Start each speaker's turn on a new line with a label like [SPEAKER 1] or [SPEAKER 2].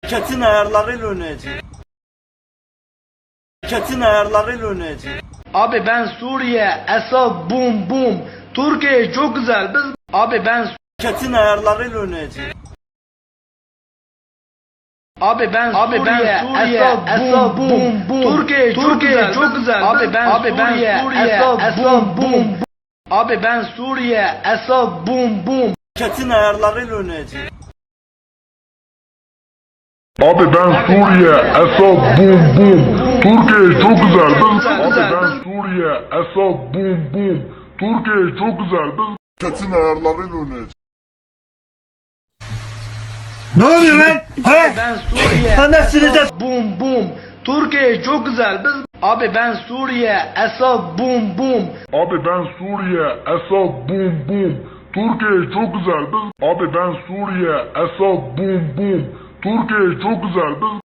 [SPEAKER 1] Şirketin ayarlarıyla oynayacağım. Şirketin ayarlarıyla oynayacağım.
[SPEAKER 2] Abi ben Suriye, Esad, bum bum. Türkiye çok güzel. Abi ben
[SPEAKER 1] Şirketin ayarlarıyla oynayacağım.
[SPEAKER 2] Suriye, Esad, bum bum. Türkiye çok güzel. Abi ben Suriye, Esad, bum bum. Abi ben Suriye, Esad, bum bum.
[SPEAKER 1] Şirketin ayarlarıyla oynayacağım.
[SPEAKER 3] Abi ben Suriye, Esad, bum bum. Türkiye çok güzel. Abi ben Suriye, Esad, bum bum. Türkiye çok güzel. Şirketin ayarlarıyla oynayacağım.
[SPEAKER 1] Ne oluyor lan? He?
[SPEAKER 2] Ben Suriye,
[SPEAKER 1] Anasını da
[SPEAKER 2] Esad, bum bum. Türkiye çok güzel. Abi ben Suriye, Esad, bum bum.
[SPEAKER 3] Abi ben Suriye, Esad, bum bum. Türkiye çok güzel. Abi ben Suriye, Esad, bum bum. Türkiye çok güzel.